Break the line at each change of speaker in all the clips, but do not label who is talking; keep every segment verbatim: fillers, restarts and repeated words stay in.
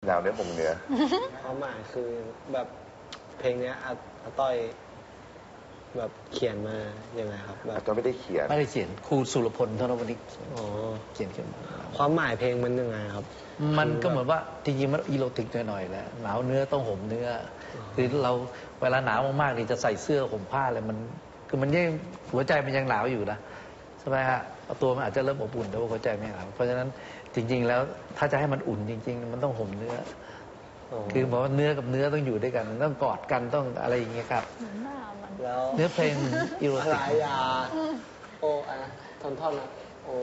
หนาวเนื้อห่มเนื้อ
ความหมายคือแบบเพลงนี้อาอาต้อยแบบเขียนมาอย่างไรครับแบบ
อาต้อยไม่ได้เขียน
ไม่ได้เขียนครูสุรพลธนวณิช
อ๋อ
เขียนขึ้นมา
ความหมายเพลงมันยังไงครับ
มันก็เหมือนว่าจริงๆมันอีโรติกหน่อยๆแหละหนาวเนื้อต้องห่มเนื้อคือเราเวลาหนาวมากๆนี่จะใส่เสื้อห่มผ้าอะไรมันคือมันยังหัวใจมันยังหนาวอยู่นะใช่ไหมฮะตัวมันอาจจะเริ่มอบอุ่นแต่ว่าหัวใจไม่หนาวเพราะฉะนั้นจริงๆแล้วถ้าจะให้มันอุ่นจริงๆมันต้องห่มเนื้อคือบอกว่าเนื้อกับเนื้อต้องอยู่ด้วยกันต้องกอดกันต้องอะไรอย่างเงี้ยครับ
แล้ว
เนื้อเพลงอีโรติก
ลายาโออะไรทอนท่อนนะโอ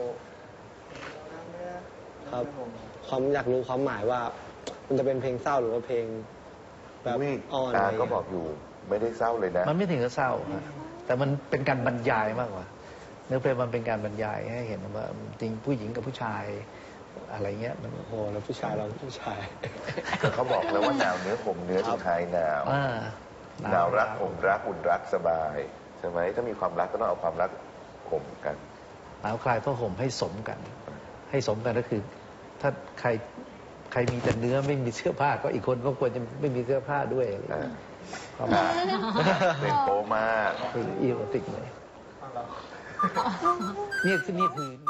ครับความอยากรู้ความหมายว่ามันจะเป็นเพลงเศร้าหรือว่าเพลงแบบอ่อนอะไร
ก็บอกอยู่ไม่ได้เศร้าเลยนะ
มันไม่ถึงกับเศร้าแต่มันเป็นการบรรยายมากกว่าเนื้อเพลงมันเป็นการบรรยายให้เห็นว่าจริงผู้หญิงกับผู้ชายอะไรเงี้ยมัน
โอ้แล้วผู้ชายเราผู้ชาย
เขาบอกแล้วว่าหนาวเนื้อห่มเนื้อสุดท้ายหนาวหนาวรักห่มรักอุ่นรักสบายใช่ไหมถ้ามีความรักก็ต้องเอาความรักห่มกัน
หนาวคลายผ้าห่มให้สมกันให้สมกันก็คือถ้าใครใครมีแต่เนื้อไม่มีเสื้อผ้าก็อีกคนก็ควรจะไม่มีเสื้อผ้าด้วยอะไรประมาณ
เป็นโปมาก
คืออีโรติกเลยนี่คือนี่คือ